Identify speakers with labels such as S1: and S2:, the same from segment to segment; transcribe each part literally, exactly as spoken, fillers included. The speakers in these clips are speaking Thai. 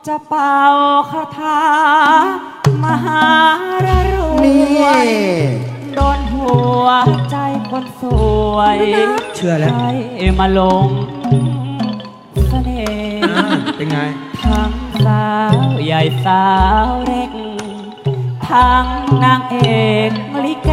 S1: จะเป่าคาถามหารรวยโดนหัวใจคนสวย
S2: เชื่อแล้ว
S1: ให้มาลงเสน่ห์
S2: เป็นไง
S1: ทั้งสาวใหญ่สาวเล็กทั้งนางเอกลิเก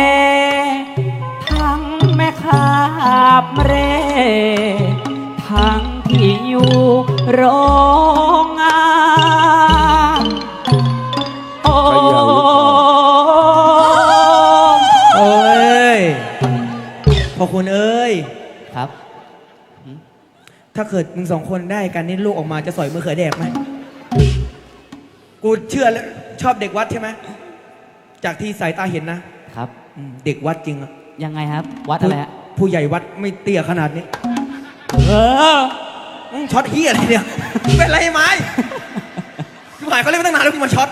S1: ทั้งแม่ค้าเร่ทั้งที่อยู่โรงงานโอ้
S2: โอ้ยพอคุณเอ้ย
S1: ครับ
S2: ถ้าเกิดมึงสองคนได้กันนี่ลูกออกมาจะสอยมือเขือแดกไหมกูเชื่อแล้วชอบเด็กวัดใช่ไหมจากที่สายตาเห็นนะครับเด็กวัดจริงอะ
S1: ยังไงครับวัดอะไรฮะ
S2: ผู้ใหญ่วัดไม่เตี้ยขนาดนี้
S1: เออ
S2: ช็อตเฮียอะไรเนี่ยเป็นไรไหมกูหายเขาเล่นมาตั้งนานแล้วกูมาช็อต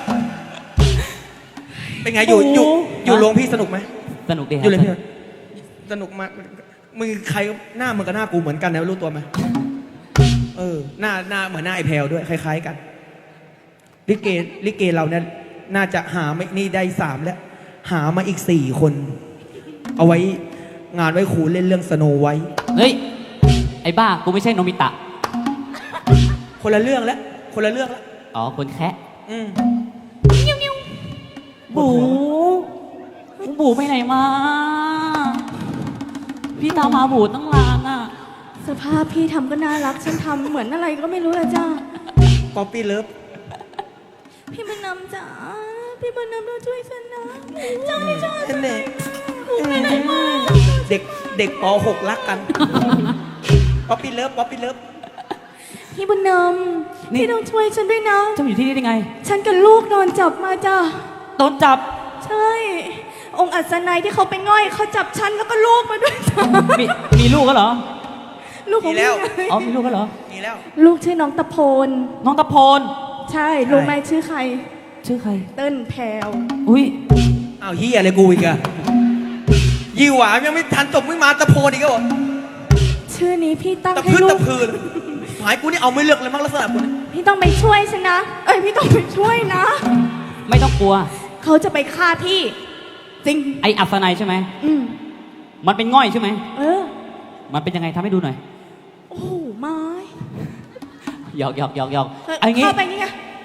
S2: เป็นไงอยู่อยู่อยู่โรงพี่สนุกไหม
S1: สนุกดี
S2: อยู่เลยพี่สนุกมากมึงใครหน้ามึงกับหน้ากูเหมือนกันนะรู้ตัวไหมเออหน้าหน้าเหมือนหน้าไอแพลด้วยคล้ายๆกันลิเกลิเกเราเนี่ยน่าจะหาไม่นี่ได้สามแล้วหามาอีกสี่คนเอาไว้งานไว้ครูเล่นเรื่องสโนไว้
S1: เฮ้ยไอ้บ้ากูไม่ใช่โนมิตะ
S2: คนละเรื่องแล้วคนละเรื่องแล้ว
S1: อ๋อคนแคะ
S2: อืม
S1: บูบูไปไหนมาพี่ตามมาบูตั้งนานอ่ะ
S3: สภาพพี่ทำก็น่ารักฉันทำเหมือนอะไรก็ไม่รู้เลยจ้า
S2: ป๊อปปี้เลิฟ
S3: พี่บุญนำจ๋าพี่บุญนำต้องช่วยฉันนะเจ้าไม่ชอบฉันเลยบูไปไหนมา
S2: เด็กเด็กป หกรักกันป๊อปปี้เลิฟป๊อปปี้เลิฟ
S3: พี่บุญนำพี่ต้องช่วยฉันด้วยนะ
S1: เจ้าอยู่ที่นี่ได้ไง
S3: ฉันกับลูกโดนจับมาจ้า
S1: โดนจับ
S3: ใช่องค์อัศนัยที่เขาไปง่อยเขาจับฉันแล้วก็ลูกมาด้วยจ้า
S1: มีมีลูกก็เหรอ
S3: ลูกของพี่
S1: อ๋อมีลูกก็เหรอ
S2: มีแล้ว
S3: ลูกชื่อน้องตะโพน
S1: น้องตะโพน
S3: ใช่รู้ไหมชื่อใคร
S1: ชื่อใคร
S3: เติ้ลแพรว
S1: อุ้ย
S2: อ้าวเฮียอะไรกูอีกอะยี่หวายังไม่ทันจบไม่มาตะโพนอีกเหรอ
S3: ชื่อนี้พี่ตั้งให้
S2: ลูกตะพื้นตะพื้นหายกูนี่เอาไม่เลือกเลยมั้งลักษณะกูนี่
S3: พี่ต้องไปช่วยฉันนะเอ้ยพี่ต้องไปช่วยนะ
S1: ไม่ต้องกลัว
S3: เขาจะไปฆ่าพี่จริง
S1: ไออัศนัยใช่ไหม
S3: อืม
S1: มันเป็นง่อยใช่ไหม
S3: เออ
S1: มันเป็นยังไงทำให้ดูหน่อย
S3: โอ้ไม้
S1: หยอกหยอกหยอกหยอก
S3: เอางี้เข้าไปนี่ไง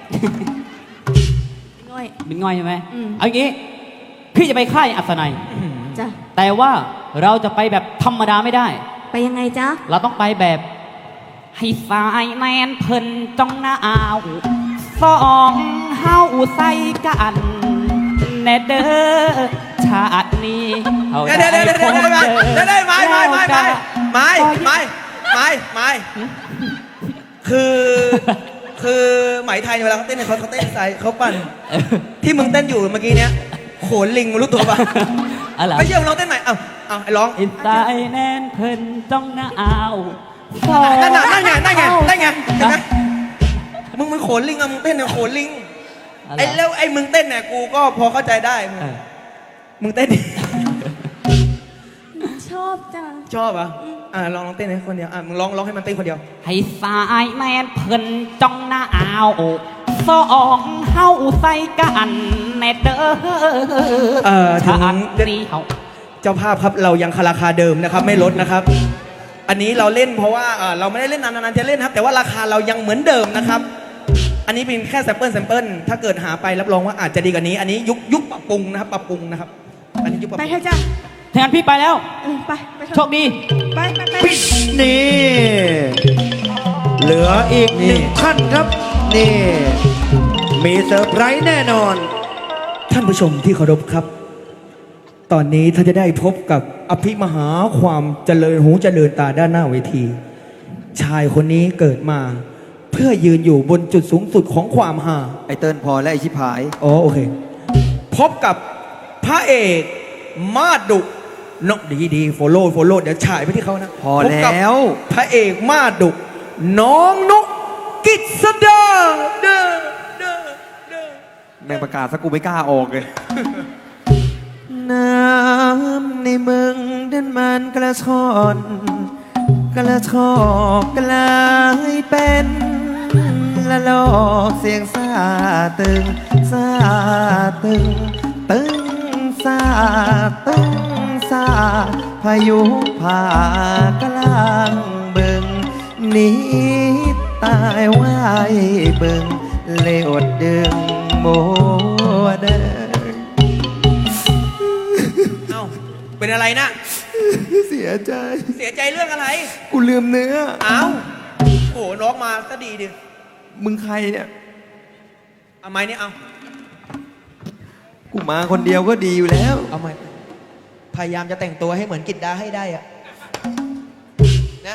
S3: ง่อย
S1: เป็นง่อยใช่ไหมเอางี้พี่จะไปฆ่าอัศนัย
S3: จ้ะ
S1: แต่ว่าเราจะไปแบบธรรมดาไม่ได้
S3: ไปยังไงจ๊ะ
S1: เราต้องไปแบบให้สายแนนเพิ่นจ้องหน้าเอาสองเฮาใส่กันแน่เด้อชาตินี้
S2: เดี๋ยวเดี๋ยวเดี๋ยวเดี๋ยวเดี๋ยวเดี๋ยวไม่ไม่ไม่ไม่ไม่ไม่ไม่ไม่คือคือไหมไทยเวลาเขาเต้นเขาเขาเต้นใส่เขาปั่นที่มึงเต้นอยู่เมื่อกี้เนี้ยโขนลิงรู้ตัวป่ะไม่เชื่อมึงลองเต้นใหม่เอาเอาไอ้ร้อง
S1: อินสายแนนเพิ่นจ้องหน้าเอา
S2: นั่นไงนั่นไงนั่นไงนั่นไงเห็นไหมมึงมึงโขนลิงอะมึงเต้นเนี่ยโขนลิงไอ้แล้วไอ้มึงเต้นเนี่ยกูก็พอเข้าใจได้มึงเต้นดิ
S3: ชอบจ้ะ
S2: ชอบอ่ะอ่าลองลองเต้นให้คนเดียวอ่ะมึงร้องร้องให้มันเต้นคนเดียว
S1: ให้สายแมนเพิ่นจ้องหน้าเอาสองเฮาใส่กันแน่เด้อ
S2: เออถึงเจ้าภาพครับเรายังราคาเดิมนะครับไม่ลดนะครับอันนี้เราเล่นเพราะว่าเราไม่ได้เล่นนานๆจะเล่นครับแต่ว่าราคาเรายังเหมือนเดิมนะครับอันนี้เป็นแค่แซมเปิลแซมเปิลถ้าเกิดหาไปรับรองว่าอาจจะดีกว่านี้อันนี้ยุคยุคปรับปรุงนะครับปรับปรุงนะครับอันนี้ยุคปรับปรุง
S3: ไปเถอะจ้ะ
S1: แทนพี่ไปแล้ว
S3: ไป
S1: โชคดี
S3: ไปไปไป
S4: นี่เหลืออีกหนึ่งท่านครับนี่มีเซอร์ไพรส์แน่นอน
S2: ท่านผู้ชมที่เคารพครับตอนนี้ท่านจะได้พบกับอภิมหาความเจริญหูเจริญตาด้านหน้าเวทีชายคนนี้เกิดมาเพื่อยืนอยู่บนจุดสูงสุดของความหา
S4: ไอเติ้ลพอและไอชิพาย
S2: อ๋อโอเคพบกับพระเอกมาดดุนกดีดีโฟโล่โฟโล่เดี๋ยวฉายไปที่เขานะ
S4: พอแล้ว
S2: พระเอกมาดดุน้องนกกิษดาเด้อเด้อเด้อ
S4: แบ่งประกาศสักกูไม่กล้าออกเลยน้ำในเมืองดันมันกระชอนกระชอกกลายเป็นลละโลกเสียงซาตึงซาตึงตึงซาตึงซาพายุผ่ากลางบึงหนีตายไว้บึงเลอดดึงโมเดอ
S2: เอ้าเป็นอะไรนะ
S4: เสียใจ
S2: เสียใจเรื่องอะไร
S4: กูลืมเนื้อ
S2: เอ้าโอ้น้องมาก็ดีดิ
S4: มึงใครเนี่ย
S2: เอาไม้นี่เอา
S4: กูมาคนเดียวก็ดีอยู่แล้ว
S2: เอาไม้พยายามจะแต่งตัวให้เหมือนกิตดาให้ได้อะนะ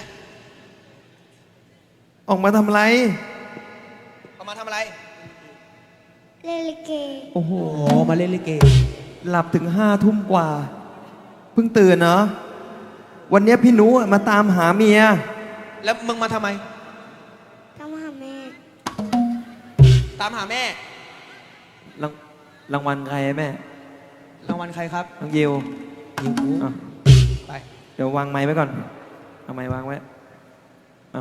S4: ออกมาทำอะไร
S2: เอามาทำอะไร
S3: เล่นลิเก
S4: โอ้โห
S2: โอ้มาเล่นลิเก
S4: หลับถึงห้าทุ่มกว่า เพิ่งตื่นเนาะวันเนี้ยพี่หนูมาตามหาเมีย
S2: แล้วมึงมาทำไม
S3: ตามหาแม่
S2: ตามหาแม่
S4: รางรางวัลใครแม่
S2: รางวัลใครครับ
S4: น้องยิว
S2: ยิวกู
S4: อ่ะ
S2: ไป
S4: เดี๋ยววางไม้ไว้ก่อน เอาไม้วางไว้อ่ะ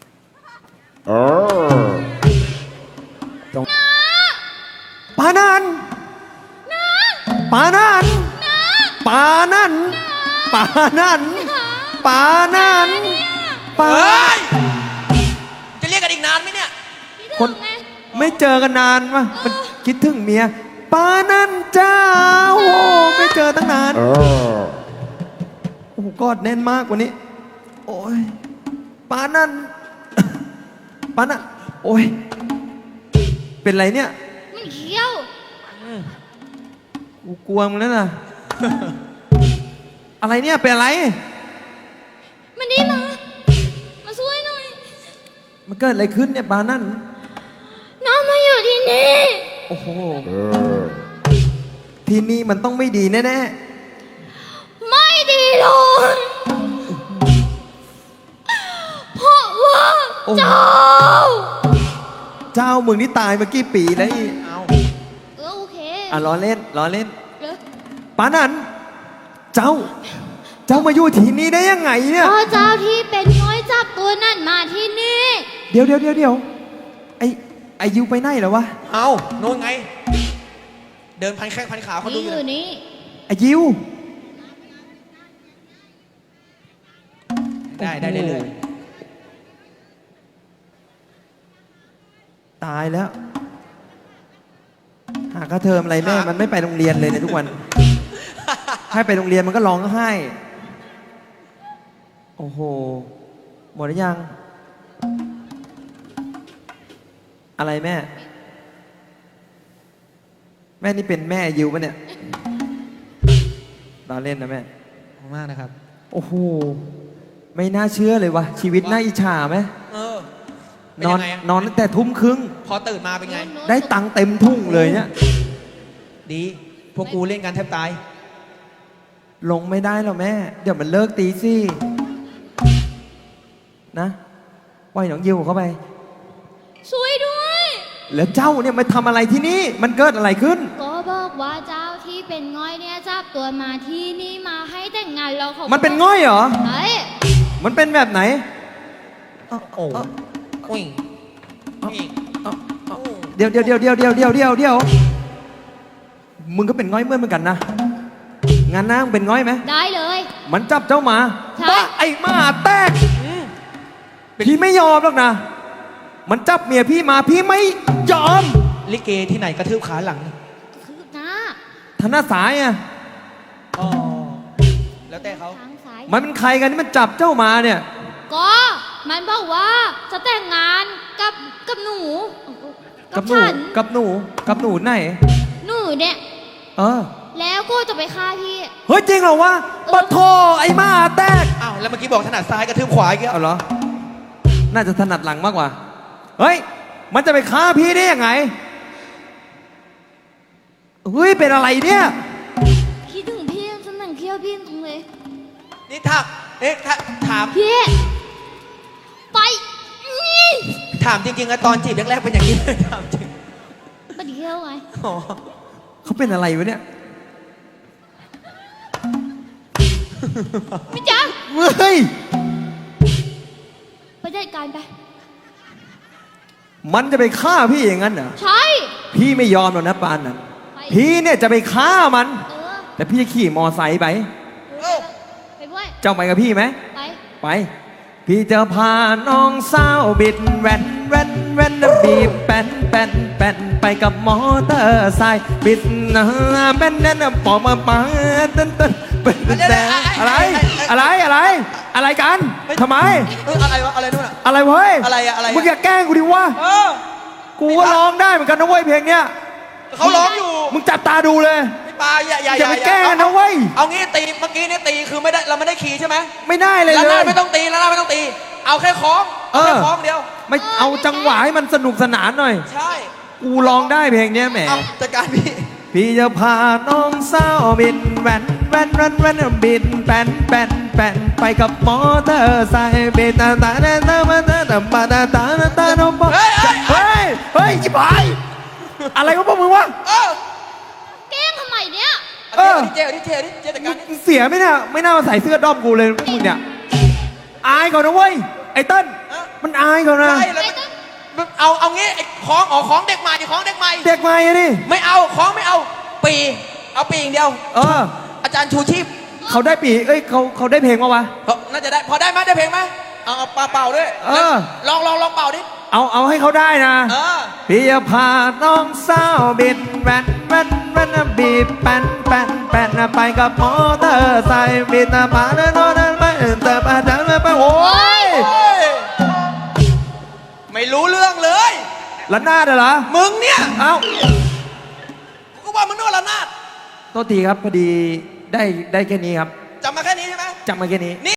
S4: ปานันปานันปานันปานันปานันปา
S2: เฮ้ย จะเรียกกันอีกนานไหมเนี่ย
S4: คนไม่เจอกันนานวะมันคิดถึงเมียปานันเจ้าโอ้ไม่เจอตั้งนานโอ้โหกอดแน่นมากกว่านี้ โอ้ยปานันปานันโอ้ยเป็นไรเนี่ย
S3: มันเขี้ยว
S4: กูกลัวมึงแล้วนะ อะไรเนี่ยเป็นอะไร
S3: มันดีมา มาช่วยหน่อย
S4: มันเกิดอะไรขึ้นเนี่ยปานัน
S3: น้องมาอยู่ที่นี่
S4: โอ้โหที่นี่มันต้องไม่ดีแน่
S3: ไม่ดีเลยเพราะว่าเจ้า
S4: ๆเจ้ามึงนี่ตายมากี่ปีแล้วอี
S2: เอา
S3: เออโอเค
S4: อ่ะล้อเล่นล้อเล่น
S3: เดี๋ยว
S4: ปานันเจ้า เจ้ามาอยู่ที่นี่ได้ยังไงเนี่ย
S3: พ่อเจ้าที่เป็นน้อยจับตัวนั่นมาที่นี่
S4: เดี๋ยวเดี๋ยวเดี๋ยวเดี๋ยวไอไอยูไปไหนแล้ววะ
S2: เอาโน่นไง เดินพันแข้งพันขาเขาดู
S3: นี่
S2: อ
S3: อยู่ ยู่
S2: เลย
S3: นี่
S4: ไอยิว
S2: ได้ได้เรื่อย
S4: ตายแล้ว หาค่าเทอมอะไรแม่ มันไม่ไปโรงเรียนเลยในยทุกวัน ให้ไปโรงเรียนมันก็ร้องไห้ โอ้โห หมดหรือยัง อะไรแม่ แม่นี่เป็นแม่ยิวปะเนี่ยเราเล่นนะแม่
S2: ๆขอบคุณมากนะครับ
S4: โอ้โห ไม่น่าเชื่อเลยวะชีวิตน่าอิจฉาไหม
S2: เออ เป็น
S4: นอ
S2: ยั
S4: น
S2: งไงอะ
S4: นอนตั้งแต่ทุ่มครึ่ง
S2: พอตื่นมาเป็นไง
S4: ได้ตังค์เต็มทุ่งเลยเนี่ย
S2: ดี พวกกูเล่นกันแทบตาย
S4: ลงไม่ได้หรอกแม่ เดี๋ยวมันเลิกตีสินะปล่อยน้องยิวเข้าไป
S3: ช่วยด้วย
S4: แล้วเจ้าเนี่ยมาทำอะไรที่นี่ มันเกิดอะไรขึ้น
S3: ก็บอกว่าเจ้าที่เป็นง่อยเนี่ยจับตัวมาที่นี่มาให้แต่งงานเราเขา
S4: มันเป็นง่อยเหรอ
S3: เฮ้ย
S4: มันเป็นแบบไหน
S2: โอ้โหอุ้ยอุ้ย
S4: เดี๋ยวเดี๋ยวเดี๋ยวเดี๋ยวเดี๋ยวเดี๋ยวเดี๋ยวเดี๋ยวมึงก็เป็นง่อยเหมื่อนเหมือนกันนะงานนะมึงเป็นง่อยไหม
S3: ได้เลย
S4: มันจับเจ้าหมา
S3: ใช่
S4: บ้าไอ้หมาแตกพี่ไม่ยอมหรอกนะ มันจับเมียพี่มาพี่ไม่ยอม
S2: ลิเกที่ไหนกระทืบขาหลัง
S3: คือหน้า
S4: ธนาสายอ่ะ
S2: อ๋อ แล้วแต่เขา
S3: ทางซ้าย
S4: มันเป็นใครกันที่มันจับเจ้ามาเนี่ย
S3: ก็มันบอกว่าจะแต่งงานกับกับหนู
S4: กับหนู
S3: ฉัน
S4: กับหนูกับหนูไหน
S3: หนูเนี่ย
S4: เออ
S3: แล้วก็จะไปฆ่าพี่
S4: เฮ้ยจริงเหรอวะปะโทไอ้หมาแตก
S2: อ้าว แล้วเมื่อกี้บอกถนัดซ้ายกระทืบขวาอีกแล้ว
S4: เอาเหรอ น่าจะถนัดหลังมากกว่า เฮ้ย มันจะไปฆ่าพี่ได้ยังไง เฮ้ย เป็นอะไรเนี่ย
S3: คิดถึงพี่ฉันหนังเคี้ยวพี่ตรงเลย
S2: นี่ถามเอ๊ะถ้าถาม
S3: พี่ ไปนี่
S2: ถามจริงๆอะตอนจีบแรกๆเป็นอย่างนี้เลยถามจริง
S3: ไปเที่ยวไง
S2: อ๋อ
S4: เขาเป็นอะไรวะเนี่ย
S3: ไม่จัง
S4: เฮ้ย
S3: ไปจัดการไป
S4: มันจะไปฆ่าพี่อย่างนั้นเหรอ
S3: ใช่
S4: พี่ไม่ยอมหรอกนะปานนั้น
S3: ไป
S4: พี่เนี่ยจะไปฆ่ามัน
S3: เออ
S4: แต่พี่จะขี่มอไซค์ไป
S3: เออไปด้วย
S4: เจ้าไปกับพี่ไหม
S3: ไป
S4: ไป พี่จะพาน้องสาวบิดแว่นแว่นแว่นบีบแป้นแป้นแป้นไปกับมอเตอร์ไซค์บิดนะแป้นแน่นปอมาปาตึ้นตึ้นเป็นแต่อะไรอะไรอะไร อะไรกันทำไม
S2: เอออะไรวะอะไรนู่นอ่ะ
S4: อะไรเว้ย
S2: อะไรอะอะไรอะ
S4: มึงอย่าแกล้งกูดิวะ
S2: เออ
S4: กูก็ร้องได้เหมือนกันนะเว้ยเพลงเนี้ย
S2: เขาร้องอยู่
S4: มึงจับตาดูเลย
S2: พี่ปาอย่าอย่า
S4: อย่าไปแกล้งนะเว้ย
S2: เอางี้ตีเมื่อกี้นี่ตีคือไม่ได้เราไม่ได้ขี่ใช่ไหม
S4: ไม่ได้เลย
S2: แล้ว
S4: เล
S2: หน้าย ไม่ต้องตีแล้วหน้าไม่ต้องตี เอาแค่คล้อง
S4: เออ
S2: แค่คล้องเดียว
S4: ไม่เอาจังหวะให้มันสนุกสนานหน่อย
S2: ใช่
S4: กูร้องได้เพลงเนี้ยแหม
S2: เอาจัดการพี่
S4: พี่จะพาน้องสาวบินแว่นแว่นแว่นแว่นบินแป้นแป้นแป้นไปกับมอเตอร์ไซค์บินตาตาตาตาตาตาตาตาตาตาตาตาโนบ
S2: เฮ้ยเฮ้ย
S4: เฮ้ยเฮ้ยจิบหายอะไรวะพวกมึงวะ
S2: เออ
S3: แกล้งทำไมเนี่ย
S4: เออ
S2: เจเอาดิเจเอาดิเจจัดการดิ
S4: มึงเสียไหมเนี่ยไม่น่ามาใส่เสื้อด้อมกูเลยพวกมึงเนี่ยอายเขานะเว้ยไอ้เติ้ลมันอายเขานะ
S2: ใช่แล้วมันเอาเอางี้ไอ้คล้องอ๋อคล้องเด็กใหม่คล้องเด็กใหม่
S4: เด็กใหม่อะนี่
S2: ไม่เอาคล้องไม่เอา ปีเอาปีอย่างเดียว
S4: เออ
S2: อาจารย์ชูชีพ
S4: เขาได้ปีเอ้ยเขาเขาได้เพลงมาวะ
S2: เขาน่าจะได้พอได้ไหมได้เพลงไหมเอาเอาปาเป่าด้วย
S4: เออ
S2: ลองลองลองเป่าดิ
S4: เอาเอาให้เขาได้นะ
S2: เออ
S4: พี่จะพาน้องสาวบินแว่นแว่นแว่นบีบแป้นแป้นแป้นไปกับมอเตอร์ไซค์บินตาปาเดินโน่นไปเติบอาจารย์ไปโอ้ย
S2: โอ้ยไม่รู้เรื่องเลย
S4: ละนาดเหรอ
S2: มึงเนี่ย
S4: เอ้า
S2: กูก็ว่ามึงนึกว่าระนาด
S4: โทษทีครับพอดีได้ได้แค่นี้ครับ
S2: จำมาแค่นี้ใช่ไหม
S4: จำมาแค่นี้